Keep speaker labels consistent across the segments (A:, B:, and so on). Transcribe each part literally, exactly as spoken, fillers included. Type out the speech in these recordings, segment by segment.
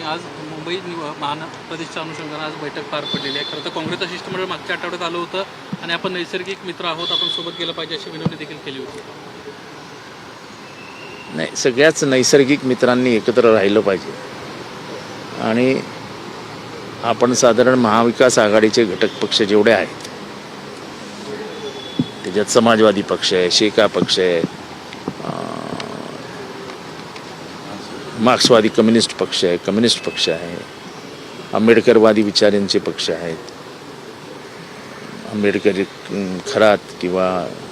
A: आज मुंबई महानगर प्रदेशच्या अनुषंगाने आज बैठक पार पडलेली आहे. खरं तर काँग्रेसचं शिष्टमंडळ मागच्या आठवड्यात आलं होतं आणि आपण नैसर्गिक मित्र आहोत, आपण सोबत गेलं पाहिजे अशी विनंती देखील केली होती.
B: नाही, सगळ्याच नैसर्गिक मित्रांनी एकत्र राहिलं पाहिजे. आणि आपण साधारण महाविकास आघाडीचे घटक पक्ष जेवढे आहेत त्याच्यात समाजवादी पक्ष आहे, शेका पक्ष आहे, मार्क्सवादी कम्युनिस्ट पक्ष आहे, कम्युनिस्ट पक्ष आहे, आंबेडकरवादी विचारांचे पक्ष आहेत, आंबेडकरी खरात किंवा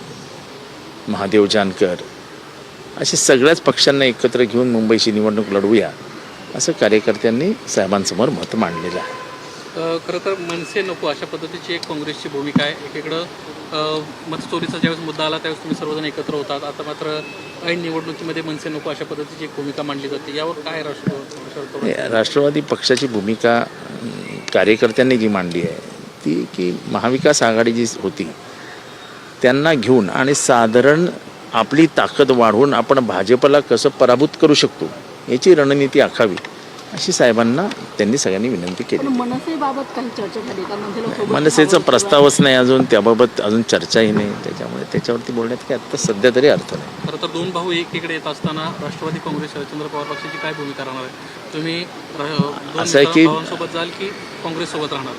B: महादेव जानकर, असे सगळ्याच पक्षांना एकत्र घेऊन मुंबईची निवडणूक लढवूया असं कार्यकर्त्यांनी साहेबांसमोर मत मांडलेलं आहे.
A: खरं तर मनसे नको अशा पद्धतीची एक काँग्रेसची भूमिका आहे. एकीकडं मतचोरीचा ज्यावेळेस मुद्दा आला त्यावेळेस तुम्ही सर्वजण एकत्र होतात, आता मात्र ऐन निवडणुकीमध्ये मनसे नको अशा पद्धतीची एक भूमिका मांडली जाते. यावर काय राष्ट्र
B: राष्ट्रवादी पक्षाची भूमिका कार्यकर्त्यांनी जी मांडली आहे ती की महाविकास आघाडी जी होती त्यांना घेऊन आणि साधारण आपली ताकद वाढवून आपण भाजपला कसं पराभूत करू शकतो याची रणनीती आखावी अशी साहेबांना त्यांनी सगळ्यांनी विनंती केली.
C: मनसेबाबत काही चर्चा झाली का?
B: मनसेचा प्रस्तावच नाही अजून, त्याबाबत अजून चर्चाही नाही, त्याच्यामुळे त्याच्यावरती बोलण्यात काय आता सध्या तरी अर्थ नाही.
A: खरं तर दोन भाऊ एकीकडे येत असताना राष्ट्रवादी काँग्रेस शरदचंद्र पवार पक्षाची काय भूमिका राहणार आहे? तुम्ही
B: असं आहे की
A: भावांसोबत जाल की काँग्रेससोबत राहणार?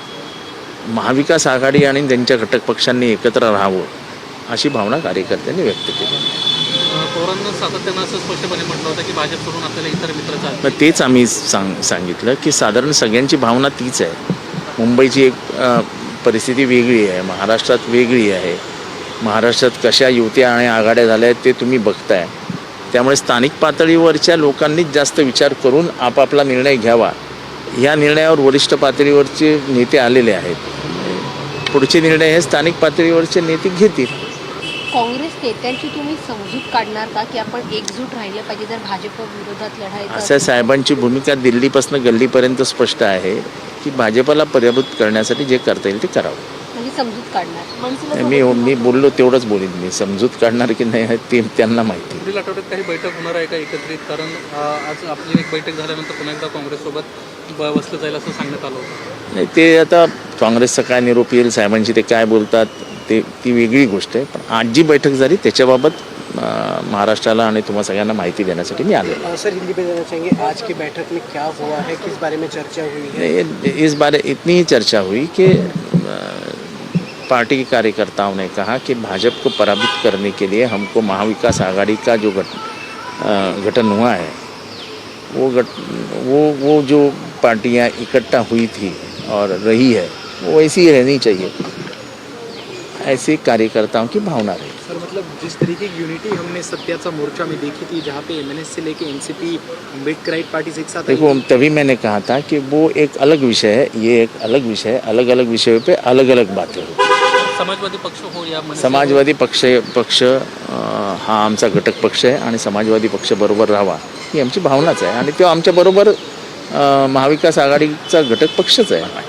B: महाविकास आघाडी आणि त्यांच्या घटक पक्षांनी एकत्र राहावं अशी भावना कार्यकर्त्यांनी व्यक्त केली.
A: पवारांना सातत्यानं असं स्पष्टपणे म्हटलं होतं की भाजप सोडून आपल्याला इतर मित्र चालतील.
B: मग तेच आम्ही सांग सांगितलं की साधारण सगळ्यांची भावना तीच आहे. मुंबईची एक परिस्थिती वेगळी आहे, महाराष्ट्रात वेगळी आहे. महाराष्ट्रात कशा युत्या आणि आघाड्या झाल्या आहेत ते तुम्ही बघताय. त्यामुळे स्थानिक पातळीवरच्या लोकांनीच जास्त विचार करून आपापला निर्णय घ्यावा. या निर्णयावर वरिष्ठ पातळीवरचे नेते आलेले आहेत. पुढचे निर्णय हे स्थानिक पातळीवरचे नेते घेतील.
C: काँग्रेस नेत्यांची तुम्ही समजूत काढणार का की आपण एकजूट राहिलं पाहिजे जर भाजप विरोधात लढायचं?
B: असं साहेबांची भूमिका दिल्लीपासून गल्लीपर्यंत स्पष्ट आहे की भाजपला पराभूत करण्यासाठी जे करता येईल ते करावं.
C: म्हणजे समजूत काढणार?
B: मी मी बोललो तेवढंच बोलीन. मी समजूत काढणार की नाही ते त्यांना माहिती.
A: पुढील आठवड्यात काही बैठक होणार आहे का एकत्रित? कारण आज आपली एक बैठक झाल्यानंतर पुन्हा एकदा काँग्रेससोबत बसलं जाईल असं सांगण्यात आलं होतं.
B: नाही, ते आता काँग्रेसचा काय निरोप येईल, साहेबांची ते काय बोलतात ते ती वेगळी गोष्ट आहे. पण आज जी बैठक झाली त्याच्याबाबत महाराष्ट्राला आणि तुम्हाला सगळ्यांना माहिती देण्यासाठी मी आलो.
D: सर, हिंदी में देना चाहेंगे आज की बैठक में क्या हुआ है, किस बारे में चर्चा हुई है?
B: इस बारे इतनी ही चर्चा हुई कि पार्टी के कार्यकर्ताओं ने कहा कि भाजपा को पराभूत करने के लिए हमको महाविकास आघाड़ी का जो गठ गठन हुआ है वो गठ वो वो जो पार्टियां इकट्ठा हुई थी और रही है वो ऐसी ही रहनी चाहिए, ऐसे कार्यकर्ताओं की भावना रही.
D: सर, मतलब जिस तरीके की यूनिटी हमने सत्याचा मोर्चा में देखी थी जहाँ पे एमएनएस से लेके एनसीपी अम्बेडकराइट पार्टीज एक साथ,
B: देखो तभी मैंने कहा था कि वो एक अलग विषय है, ये एक अलग विषय है. अलग अलग विषयों पे अलग अलग बातें होती.
A: समाजवादी पक्ष हो या
B: समाजवादी पक्ष पक्ष हा आमचा घटक पक्ष आहे आणि समाजवादी पक्ष बरोबर राहावा ही आमची भावनाच आहे आणि तो आमच्याबरोबर महाविकास आघाडीचा घटक पक्षच आहे.